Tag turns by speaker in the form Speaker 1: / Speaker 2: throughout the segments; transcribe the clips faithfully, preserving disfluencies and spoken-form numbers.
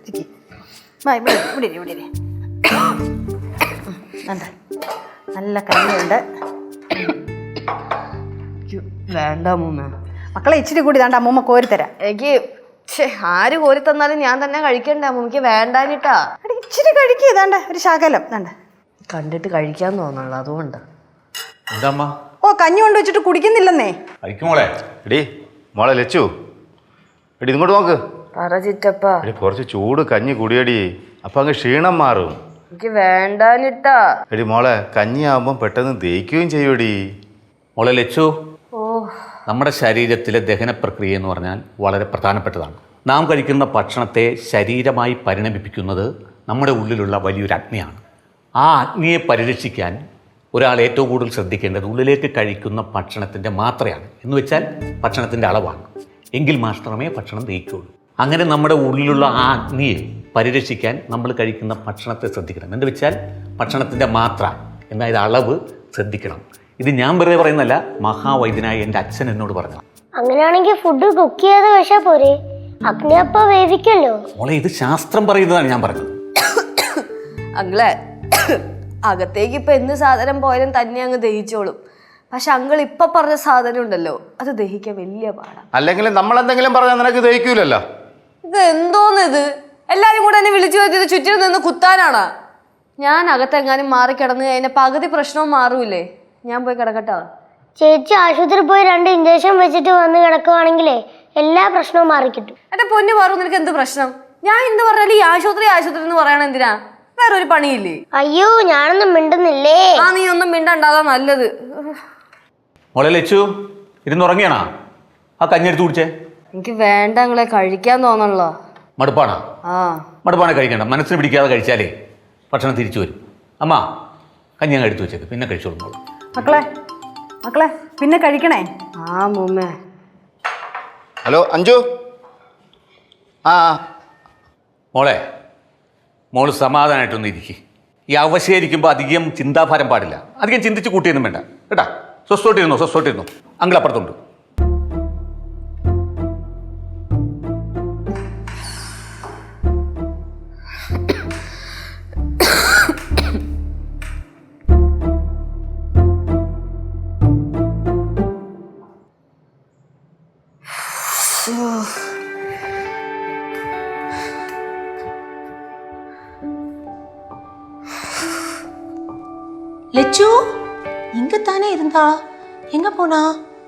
Speaker 1: ഇവിടെ ഇവിടെ നല്ല കഞ്ഞിയുണ്ട്.
Speaker 2: വേണ്ട അമ്മൂമ്മ.
Speaker 1: മക്കളെ ഇച്ചിരി കൂടി താണ്ട അമ്മൂമ്മ കോരിത്തരാം.
Speaker 2: എനിക്ക് ആര് കോരി തന്നാലും ഞാൻ തന്നെ കഴിക്കണ്ടേ അമ്മൂമ്മക്ക് വേണ്ടാനിട്ടാ.
Speaker 1: ഇച്ചിരി കഴിക്കുക താണ്ട ഒരു ശകലം താണ്ട.
Speaker 2: കണ്ടിട്ട് കഴിക്കാൻ തോന്നുള്ളൂ അതുകൊണ്ട്.
Speaker 1: ഓ കഞ്ഞി കൊണ്ട് വെച്ചിട്ട് കുടിക്കുന്നില്ലെന്നേ.
Speaker 3: മോളെ എടി മോളെ ലച്ചു എടി ഇങ്ങോട്ട് നോക്ക്.
Speaker 2: പറ ചിറ്റപ്പ.
Speaker 3: കുറച്ച് ചൂട് കഞ്ഞി കുടിയടി, അപ്പൊ അങ്ങ് ക്ഷീണം മാറും.
Speaker 2: എനിക്ക് വേണ്ടാനിട്ടാ.
Speaker 3: എടി മോളെ കഞ്ഞി ആവുമ്പം പെട്ടെന്ന് ദഹിക്കുകയും ചെയ്യൂടി.
Speaker 4: മോളെ ലച്ചു, നമ്മുടെ ശരീരത്തിലെ ദഹന പ്രക്രിയ എന്ന് പറഞ്ഞാൽ വളരെ പ്രധാനപ്പെട്ടതാണ്. നാം കഴിക്കുന്ന ഭക്ഷണത്തെ ശരീരമായി പരിണമിപ്പിക്കുന്നത് നമ്മുടെ ഉള്ളിലുള്ള വലിയൊരു അഗ്നിയാണ്. ആ അഗ്നിയെ പരിരക്ഷിക്കാൻ ഒരാൾ ഏറ്റവും കൂടുതൽ ശ്രദ്ധിക്കേണ്ടത് ഉള്ളിലേക്ക് കഴിക്കുന്ന ഭക്ഷണത്തിൻ്റെ മാത്രയാണ്, എന്ന് വെച്ചാൽ ഭക്ഷണത്തിൻ്റെ അളവാണ്. എങ്കിൽ മാത്രമേ ഭക്ഷണം ദഹിക്കുകയുള്ളൂ. അങ്ങനെ നമ്മുടെ ഉള്ളിലുള്ള ആ അഗ്നിയെ പരിരക്ഷിക്കാൻ നമ്മൾ കഴിക്കുന്ന ഭക്ഷണത്തെ ശ്രദ്ധിക്കണം. എന്ന് വെച്ചാൽ ഭക്ഷണത്തിൻ്റെ മാത്ര, അതായത് അളവ് ശ്രദ്ധിക്കണം. ഇത് ഞാൻ വെറുതെ പറയുന്നല്ല, മഹാവൈദ്യനായ എൻ്റെ അച്ഛൻ എന്നോട് പറഞ്ഞു.
Speaker 5: അങ്ങനെയാണെങ്കിൽ ഫുഡ് കുക്ക് ചെയ്യാതെ കഴിച്ചാൽ പോരെ, അഗ്നി അപ്പ വേവിക്കല്ലോ.
Speaker 4: മോളെ ഇത് ശാസ്ത്രം പറയുന്നതാണ് ഞാൻ പറഞ്ഞത്.
Speaker 2: അങ്ങളെ അകത്തേക്ക് ഇപ്പൊ എന്ത് സാധനം പോയാലും തന്നെ അങ്ങ് ദഹിച്ചോളും. പക്ഷെ അങ്കിൾ ഇപ്പൊ പറഞ്ഞ സാധനം ഉണ്ടല്ലോ, അത് ദഹിക്കാൻ വലിയ പാടാ.
Speaker 3: അല്ലെങ്കിൽ നമ്മൾ എന്തെങ്കിലും പറഞ്ഞാൽ നിനക്ക് ദഹിക്കൂലല്ലോ.
Speaker 2: ഇത് എന്തോന്ന് ഇത്, എല്ലാരും കൂടെ എന്നെ വിളിച്ചു വരുത്തിയത് ചുറ്റിനും നിന്ന് കുത്താനാണ്. ഞാൻ അകത്തെങ്ങാനും മാറി കിടന്ന് കഴിഞ്ഞാൽ പകുതി പ്രശ്നവും മാറൂലേ. ഞാൻ പോയി കിടക്കട്ടോ.
Speaker 5: ചേച്ചി ആശുപത്രി പോയി രണ്ട് ഇഞ്ചക്ഷൻ വെച്ചിട്ട് വന്ന് കിടക്കുവാണെങ്കിലേ എല്ലാ പ്രശ്നവും മാറിക്കിട്ടും.
Speaker 2: എന്റെ പൊന്നു മാറും, നിനക്ക് എന്ത് പ്രശ്നം? ഞാൻ എന്ത് പറഞ്ഞാലും ഈ ആശുപത്രി ആശുപത്രി എന്ന് പറയണ എന്തിനാ? വേറൊരു പണിയില്ലേ?
Speaker 5: അയ്യോ ഞാനൊന്നും മിണ്ടുന്നില്ലേ.
Speaker 2: ആ നീ ഒന്നും മിണ്ടണ്ടാതാ നല്ലത്.
Speaker 4: മോളെ ലച്ചു ഇരുന്നുറങ്ങിയാണോ? ആ കഞ്ഞെടുത്ത് കുടിച്ചേ.
Speaker 2: എനിക്ക് വേണ്ട നിങ്ങളെ കഴിക്കാൻ തോന്നണല്ലോ.
Speaker 4: മടുപ്പാണോ?
Speaker 2: ആ
Speaker 4: മടുപ്പാണ് കഴിക്കണ്ട. മനസ്സിന് പിടിക്കാതെ കഴിച്ചാലേ ഭക്ഷണം തിരിച്ചു വരും. അമ്മ കഞ്ഞി അങ്ങ് എടുത്തു വെച്ചേക്ക്, പിന്നെ കഴിച്ചോളൂ മോള്.
Speaker 1: മക്കളെ മക്കളെ പിന്നെ കഴിക്കണേ.
Speaker 2: ആ മുമ്മേ.
Speaker 3: ഹലോ അഞ്ജു. ആ
Speaker 4: മോളെ മോള് സമാധാനമായിട്ടൊന്നും ഇരിക്കും. ഈ അവശേരിക്കുമ്പോൾ അധികം ചിന്താഭാരം പാടില്ല. അധികം ചിന്തിച്ച് കൂട്ടിയൊന്നും വേണ്ട കേട്ടാ. സ്വസ്ഥോട്ടിരുന്നോ സ്വസ്ഥോട്ടിരുന്നോ. അങ്കിൾ അപ്പുറത്തുണ്ട്.
Speaker 6: லெச்சு இங்கத்தானே இருந்தா, எங்க போனா?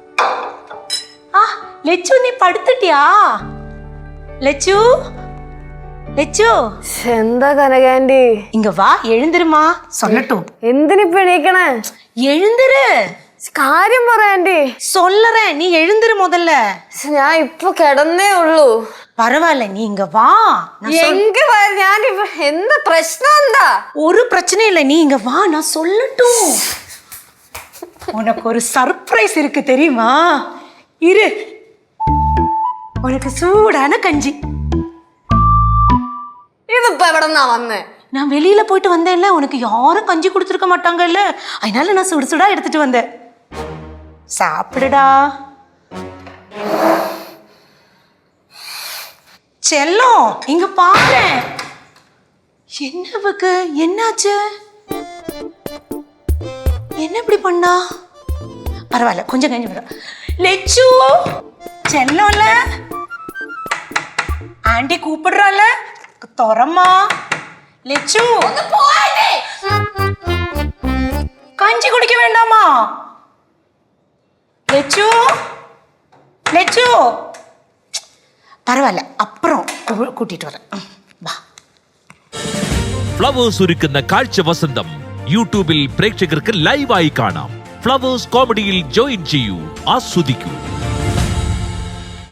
Speaker 6: ஆ லெச்சு நீ படுத்துட்டியா? லெச்சு லெச்சு
Speaker 2: എന്താ കനകാൻഡി?
Speaker 6: இங்க வா, எழுந்திருமா சொல்லட்டும்.
Speaker 2: എന്തിനിപ്പ എണീക്കണേ?
Speaker 6: எழுந்திரு,
Speaker 2: കാര്യം പറയാൻഡി.
Speaker 6: சொல்லறேன், நீ எழுந்திரு முதல்ல.
Speaker 2: ഞാൻ ഇപ്പൊ കിടന്നേ ഉള്ളൂ.
Speaker 6: பரவாயில்ல, நீ இங்க வா.
Speaker 2: എങ്ക ഞാനിപ്പ എന്താ പ്രശ്നം? എന്താ?
Speaker 6: ஒரு பிரச்சனை இல்லை, நீ இங்க வா, நான் சொல்லட்டும். உனக்கு ஒரு சர்ப்ரைஸ் இருக்கு தெரியுமா? இரு, உனக்கு சூடான கஞ்சி.
Speaker 2: ഇതിപ്പോ എവിടെന്നാ വന്നേ?
Speaker 6: நான் வெளியில போயிட்டு வந்தேன்ல, உனக்கு யாரும் கஞ்சி கொடுத்துருக்க மாட்டாங்கல்ல, அதனால நான் சுடு சுடா எடுத்துட்டு வந்தேன். சாப்பிடுடா செல்லம். இங்க பாரு. என்னவுக்கு என்னாச்சு? என்ன இப்படி பண்ணா? பரவாயில்ல, கொஞ்சம் கஞ்சி விட. லெச்சு செல்லம்ல, ஆண்டி கூப்பிடுறால, தொரம்மா. லெச்சு கஞ்சி குடிக்க வேண்டாமா? லெச்சு லெச்சு பரவாயில்ல, அப்புறம் கூட்டிட்டு வரேன். வா.
Speaker 7: ഫ്ലവേഴ്സ് ഒരുക്കുന്ന കാഴ്ച വസന്തം യൂട്യൂബിൽ പ്രേക്ഷകർക്ക് ലൈവായി കാണാം. ഫ്ലവേഴ്സ് കോമഡിയിൽ ജോയിൻ ചെയ്യൂ, ആസ്വദിക്കൂ.